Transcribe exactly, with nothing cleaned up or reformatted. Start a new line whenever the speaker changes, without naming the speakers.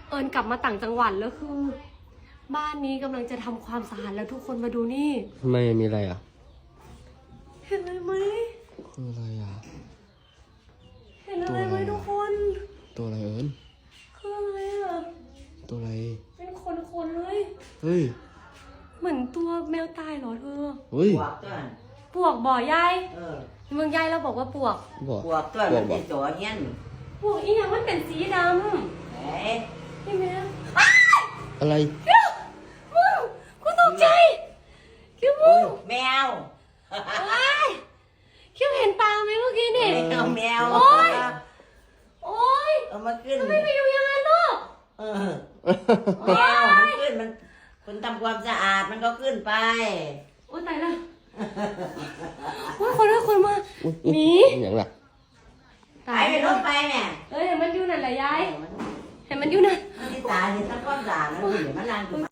เอิญกลับมาต่างจังหวัดแล้วคือ บ้านนี้กำลังจะทำความสะอาดแล้วทุกคนมาดูนี่
ทำไมมีอะไรอ่ะ
เห็นอะไรไหม
คืออะไรอ่ะ
เห็นอะไรไหมทุกคน
ตัวอะไรเอิญ
คืออะไรอ่ะ
ตัวอะไร
เป็นคนๆเลย
เฮ้ย
เหมือนตัวแมวตายเหรอเธอ
เฮ้ย
ปวกตัวนั้น
ปวกบ่อยาย
เออ
เมืองยายเราบอกว่าปวก
บอก
ปวกตัวมันเป็นตัวเงี้ยน
ปวกอีหยังมันเป็นสีด
เฮ้ย
ำนี่แม่
อะไร
คิวมึงกูตกใจคิวมึ
โอ้
ง
ยแมว
ว้ายคิวเห็นปลาไหมเมื่อกี้นี่
แมวแมว
โอ๊ย โอ๊ย
เอามาขึ้น
ทำไมไปอยู่อย่างนั้นลูก
เออแมวมันขึ้นมันคนทำความสะอาดมันก็ขึ้นไป
โอ๊ยตายแล้วโอ๊ยคนละคนมา
อุ๊ย
หนี
อย่างไร
ตายไปรถไปแม่
เอ้ยเห็นมันอยู่นั่นแหละยาย
มัน
เห็นมันอยู่นั่น
มันที่ตายที่ทำความสะอาดแล้วมันอยู่มันนั่งอยู่